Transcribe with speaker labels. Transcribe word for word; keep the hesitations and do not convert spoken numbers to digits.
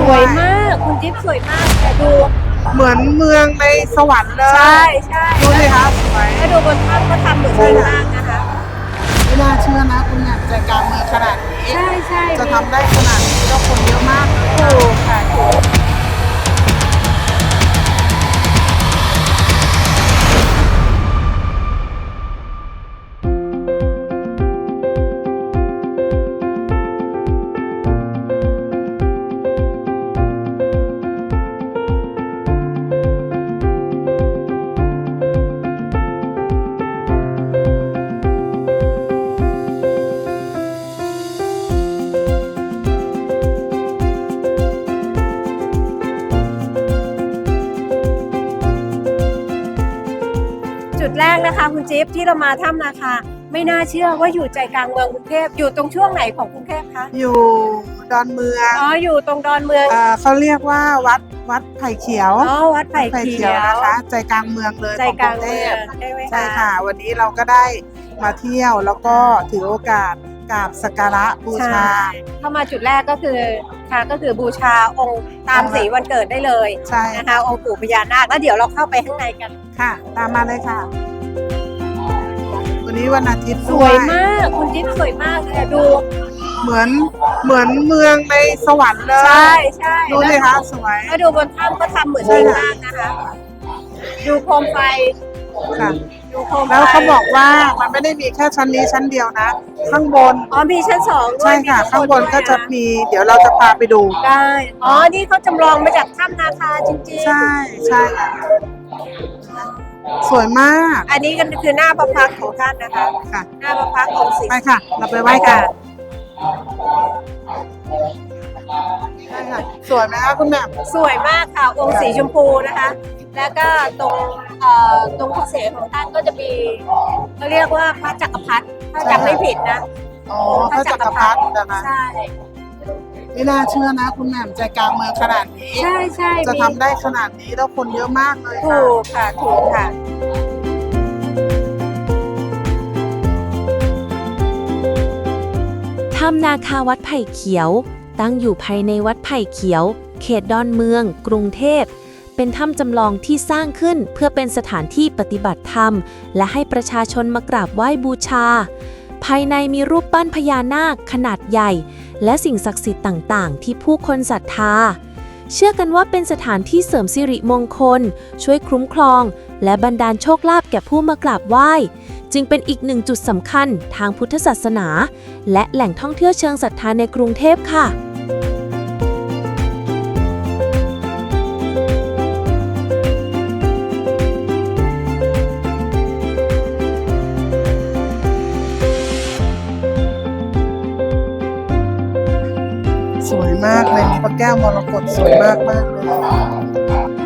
Speaker 1: วยมากคุณจิ๊บสวยมากแต่ดู
Speaker 2: เหมือนเมืองในสวรรค์เลย
Speaker 1: ใช่ใช่
Speaker 2: ดูสิคะสวย
Speaker 1: ถ้าดูบนภาพก็ทำเหมือนข้างล่างนะคะ
Speaker 2: ไม่น่าเชื่อนะคุณแหม่มใจกลางเมืองขนาดนี้
Speaker 1: ใช่ใช่
Speaker 2: จะทำได้ขนาดนี้แล้วคนเยอะมากเลย
Speaker 1: ถูกค่ะถูกจุดแรกนะคะคุณจิ๊บที่เรามาถ้ำนาคาไม่น่าเชื่อว่าอยู่ใจกลางเมืองกรุงเทพอยู่ตรงช่วงไหนของกรุงเทพคะ
Speaker 2: อยู่ดอนเมือง
Speaker 1: อ๋ออยู่ตรงดอนเมือง
Speaker 2: เอ่อเขาเรียกว่าวัดวัดไผ่เขียว
Speaker 1: อ๋อวัดไผ่เขียว
Speaker 2: นะคะใจกลางเมืองเลย
Speaker 1: ใจ
Speaker 2: ของ
Speaker 1: ก
Speaker 2: ก
Speaker 1: ลา
Speaker 2: รุ
Speaker 1: ง
Speaker 2: งเท
Speaker 1: เมือ
Speaker 2: พ
Speaker 1: งใช่ไหมคะ
Speaker 2: ใช่ค่ะ วันนี้เราก็ได้มาเที่ยวแล้วก็ถือโอกาสกราบสักการะบูชา
Speaker 1: เข้ามาจุดแรกก็คือค่ะก็คือบูชาองค์ตามสีวันเกิดได้เลย
Speaker 2: ใช่
Speaker 1: นะคะองค์ปู่พญานาคแล้วเดี๋ยวเราเข้าไปข้างในกัน
Speaker 2: ค่ะ ตามมาเลยค่ะ วันนี้วันอาทิตย์
Speaker 1: ส
Speaker 2: ด้
Speaker 1: วยมากคุณจิ๊บสวยมากเลยดู
Speaker 2: เหมือนเหมือนเมืองในสวรรค์เลย
Speaker 1: ใช่ใช่
Speaker 2: ดูสิคะสวย
Speaker 1: แล้วดูบนถ้ำก็ทำเหมือนข้างล่างนะคะ ดูโคมไฟ
Speaker 2: ค่ะ
Speaker 1: ดูโคมไฟ
Speaker 2: แล้วเขาบอกว่ามันไม่ได้มีแค่ชั้นนี้ชั้นเดียวนะ ข้างบน
Speaker 1: อ๋อมีชั้นสองด้วย
Speaker 2: ใช่ค่ะ
Speaker 1: มี
Speaker 2: ข้างบน
Speaker 1: ด้วย
Speaker 2: ก็จะมี เดี๋ยวเราจะพาไปดู
Speaker 1: ได้อ๋อนี่เขาจำลองมาจากถ้ำนาคาจริงๆ
Speaker 2: ใช่ใช่ค่ะสวยมาก
Speaker 1: อันนี้ก็คือหน้าพระพักตร์ของท่านนะคะ
Speaker 2: ค่ะ
Speaker 1: หน้าพระพักตร์องค์สี
Speaker 2: ไปค่ะ เราไปไหว้กันใช่ค่ะ สวยไหมคะคุณแหม่ม
Speaker 1: สวยมากค่ะองค์สีชมพูนะคะ แล้วก็ตรงเอ่อตรงพระเศียรของท่านก็จะมีเขาเรียกว่าพระจักรพรรดิถ้าจำไม่ผิดนะ
Speaker 2: อ๋อพระจักรพรรดินะคะ
Speaker 1: ใช่
Speaker 2: ไม่น่าเชื่อนะคุณแหม่มใจกลางเมืองขนาดนี้
Speaker 1: ใช่ใช่
Speaker 2: จะทำได้ขนาดนี้แล้วคนเยอะมากเลยค่ะ
Speaker 1: ถูกค่ะถูกค่ะ
Speaker 3: ถ้ำนาคาวัดไผ่เขียว ตั้งอยู่ภายในวัดไผ่เขียว เขตดอนเมือง กรุงเทพ เป็นถ้ำจำลองที่สร้างขึ้นเพื่อเป็นสถานที่ปฏิบัติธรรม และให้ประชาชนมากราบไหว้บูชา ภายในมีรูปปั้นพญานาคขนาดใหญ่ และสิ่งศักดิ์สิทธิ์ต่างๆ ที่ผู้คนศรัทธา เชื่อกันว่าเป็นสถานที่เสริมสิริมงคล ช่วยคุ้มครอง และบันดาลโชคลาภแก่ผู้มากราบไหว้ จึงเป็นอีกหนึ่งจุดสำคัญทางพุทธศาสนา และแหล่งท่องเที่ยวเชิงศรัทธาในกรุงเทพค่ะ
Speaker 2: สวยมากเลยมีพระแก้วมรกตสวยมากมากเลย